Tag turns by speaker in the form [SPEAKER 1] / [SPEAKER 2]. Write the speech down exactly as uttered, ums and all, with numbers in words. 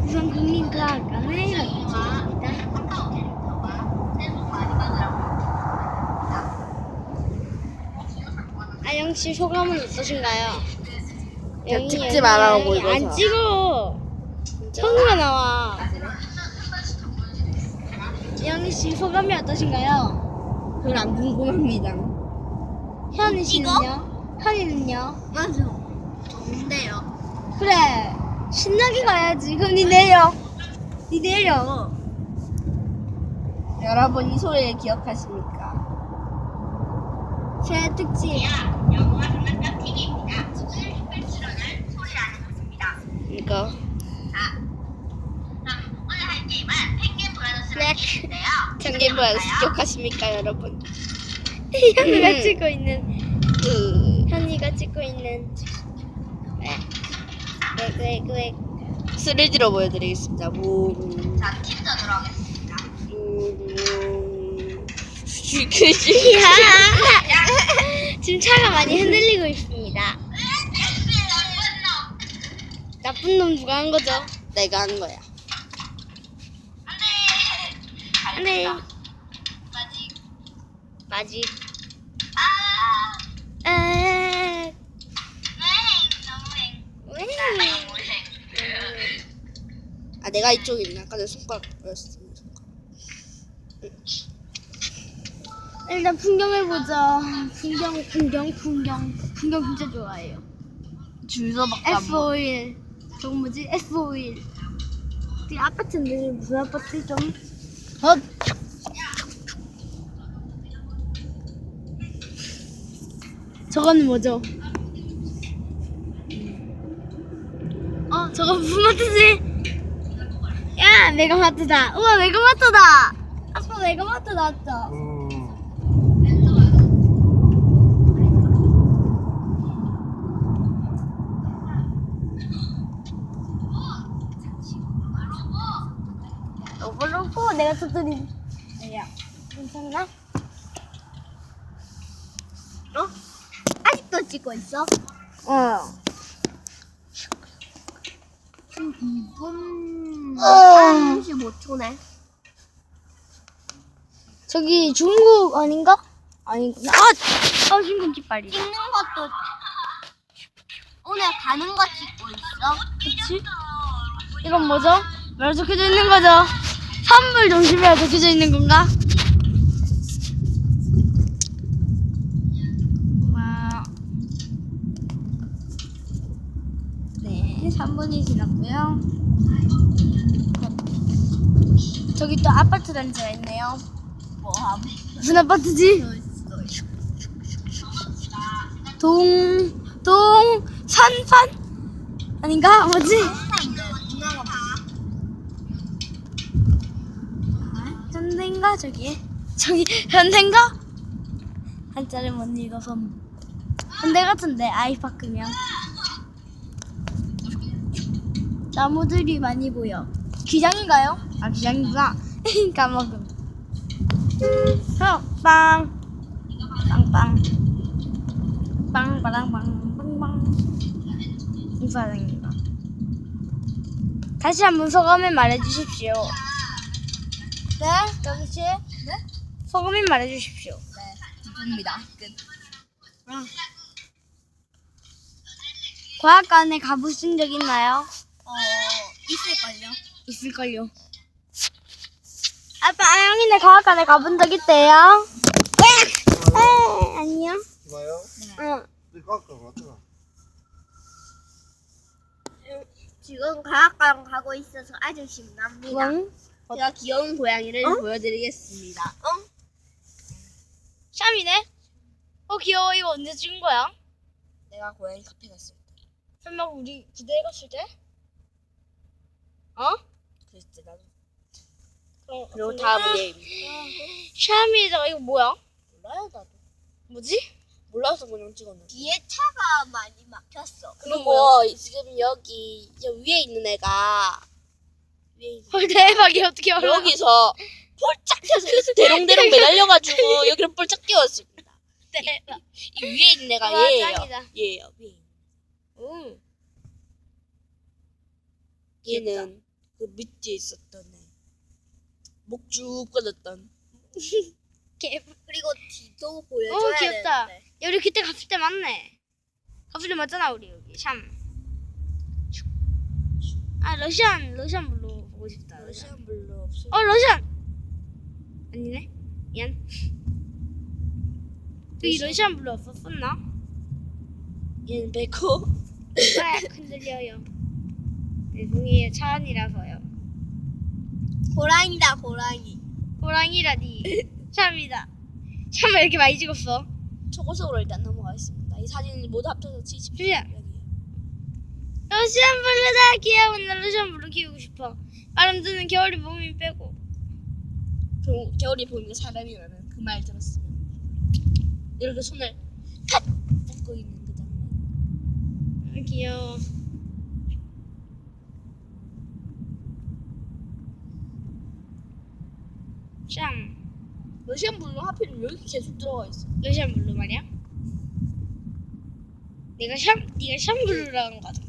[SPEAKER 1] 우선 국민과학관을 가보겠습니다. 아영 씨 소감은 어떠신가요?
[SPEAKER 2] 그냥 찍지 말라고
[SPEAKER 1] 영희,
[SPEAKER 2] 이거죠.
[SPEAKER 1] 안 찍어. 천우가 나와. 영희 씨 소감이 어떠신가요?
[SPEAKER 2] 그건 안 궁금합니다.
[SPEAKER 1] 현희 씨는요? 현희는요?
[SPEAKER 2] 맞아. 좋은데요.
[SPEAKER 1] 그래 신나게 가야지. 그럼 니 내려. 니 내려.
[SPEAKER 2] 여러분 이 소리를 기억하십니까?
[SPEAKER 1] 제 특집.
[SPEAKER 3] 영화 장난감 티비입니다. 오늘 특별 출연을 소리 안 해봤습니다.
[SPEAKER 2] 이거.
[SPEAKER 3] 자, 그럼 오늘 할 게임은 펭귄 브라더스라는 게임인데요.
[SPEAKER 2] 청개부에서 기억하십니까, 여러분?
[SPEAKER 1] 현이가
[SPEAKER 2] 음.
[SPEAKER 1] 찍고 있는
[SPEAKER 2] 그
[SPEAKER 1] 현이가 찍고 있는 왜왜왜
[SPEAKER 2] 쓰리디로 보여드리겠습니다. 뭉.
[SPEAKER 3] 자, 팀전으로 하겠습니다.
[SPEAKER 2] 뭉. 그지.
[SPEAKER 1] 지금 차가 많이 흔들리고 있습니다. 나쁜 놈 누가 한 거죠?
[SPEAKER 2] 내가 한 거야.
[SPEAKER 1] 네.
[SPEAKER 3] 마지.
[SPEAKER 1] 마지.
[SPEAKER 3] 아,
[SPEAKER 1] 아.
[SPEAKER 3] 웽. 너무행.
[SPEAKER 1] 왜?
[SPEAKER 3] 너무행.
[SPEAKER 2] 아, 내가 이쪽에 있네. 아까 내 손가락 보였어.
[SPEAKER 1] 일단 풍경을 보자. 풍경, 풍경, 풍경. 풍경 진짜 좋아해요.
[SPEAKER 2] 줄서밖에 안
[SPEAKER 1] 에프
[SPEAKER 2] 보여.
[SPEAKER 1] 오일. 저거 뭐지? 에프 오일. 이 아파트인데 무슨 아파트 좀. 어. 저거는 뭐죠? 어, 저거 무슨 마트지? 야, 메가마트다. 우와, 메가마트다. 아빠 메가마트 나왔다. 로보 로보 내가 터뜨린. 야, 괜찮나? 어? 아직도 찍고 있어?
[SPEAKER 2] 어.
[SPEAKER 1] 지금 이 분
[SPEAKER 2] 어.
[SPEAKER 1] 삼십오 초네. 저기 중국 아닌가? 아니구나. 아! 아, 중국 깃발이.
[SPEAKER 3] 찍는 것도 오늘 가는 거 찍고 있어.
[SPEAKER 1] 그치? 이건 뭐죠? 뭐라 적혀져 있는 거죠? 선물 중심이라 적혀져 있는 건가? 와. 네, 삼 분이 지났고요. 저기 또 아파트 단지가 있네요.
[SPEAKER 2] 뭐함?
[SPEAKER 1] 무슨 아파트지? 동, 동, 산판? 아닌가? 뭐지? 아, 현대인가? 저기? 저기, 현대인가? 한자를 못 읽어서. 현대 같은데, 아이파크면. 나무들이 많이 보여. 기장인가요? 아, 기장이구나. 까먹음. 어, 빵. 빵빵. 빵빠랑빵 빵빵. 인사드립니다. 다시 한번 소감을 말해주십시오. 네, 여기 씨. 네? 소감을 말해주십시오.
[SPEAKER 2] 네. 기쁩니다. 끝.
[SPEAKER 1] 과학관에 가보신 적 있나요?
[SPEAKER 2] 어, 있을걸요?
[SPEAKER 1] 있을걸요. 아빠, 아영이네 과학관에 가본 적 있대요? 에, 아니요.
[SPEAKER 4] 좋아요?
[SPEAKER 1] 응.
[SPEAKER 4] 이거 아까 맞잖아.
[SPEAKER 3] 지금 과학관 가고 있어서 아주 신납니다.
[SPEAKER 1] 응?
[SPEAKER 2] 제가 귀여운 고양이를
[SPEAKER 1] 어?
[SPEAKER 2] 보여드리겠습니다.
[SPEAKER 1] 샴이네? 어, 귀여워. 이거 언제 찍은 거야?
[SPEAKER 2] 내가 고양이 카페 갔을 때.
[SPEAKER 1] 설마 우리 부대에 갔을 때? 어?
[SPEAKER 2] 그랬을 때 나도.
[SPEAKER 1] 그럼,
[SPEAKER 2] 그리고
[SPEAKER 1] 근데-
[SPEAKER 2] 다음은 얘.
[SPEAKER 1] 샴이에다가 이거 뭐야?
[SPEAKER 2] 몰라요 나도.
[SPEAKER 1] 뭐지?
[SPEAKER 2] 몰라서 그냥 찍었는데.
[SPEAKER 3] 뒤에 차가 많이 막혔어.
[SPEAKER 2] 그리고 지금 여기 저 위에 있는 애가 위에 있는
[SPEAKER 1] 헐, 대박이야. 어떻게 알아?
[SPEAKER 2] 여기서 폴짝 튀어서 대롱대롱 매달려가지고 여기를 폴짝 뛰었습니다.
[SPEAKER 1] 대박.
[SPEAKER 2] 이 위에 있는 애가
[SPEAKER 1] 와,
[SPEAKER 2] 얘예요.
[SPEAKER 1] 짱이다.
[SPEAKER 2] 얘예요. 위에.
[SPEAKER 1] 응.
[SPEAKER 2] 얘는 그 밑에 있었던 애. 목 쭉 뻗었던.
[SPEAKER 1] 개.
[SPEAKER 2] 그리고 뒤도 보여줘야
[SPEAKER 1] 어 귀엽다.
[SPEAKER 2] 되는데.
[SPEAKER 1] 야 우리 그때 갔을 때 맞네. 갔을 때 맞잖아 우리 여기 샴. 아 러시안 러시안 블루 보고 싶다.
[SPEAKER 2] 러시안 블루 없어.
[SPEAKER 1] 어 러시안. 아니네. 미안. 여기 러시안 블루 없었었나?
[SPEAKER 2] 얘는 백호.
[SPEAKER 1] 아 흔들려요. 죄송해요 차 안이라서요.
[SPEAKER 2] 호랑이다 호랑이.
[SPEAKER 1] 호랑이라니. 샴이다. 샴을 이렇게 많이 찍었어.
[SPEAKER 2] 초고속으로 일단 넘어가겠습니다. 이 사진을 모두 합쳐서 칠십.
[SPEAKER 1] 주야.
[SPEAKER 2] 여기.
[SPEAKER 1] 러시안 블루다 귀여워. 나 러시안 블루 키우고 싶어. 아름드는 겨울이 봄이 빼고.
[SPEAKER 2] 겨, 겨울이 보이는 사람이라는 그 말 들었으면 이렇게 손을 탁 뻗고 있는 그 장면.
[SPEAKER 1] 아, 귀여워. 샴.
[SPEAKER 2] 러시안 블루 하필 여기 계속 들어가 있어.
[SPEAKER 1] 러시안 블루 말이야? 내가 샴, 네가 샴 블루라는 거 같아.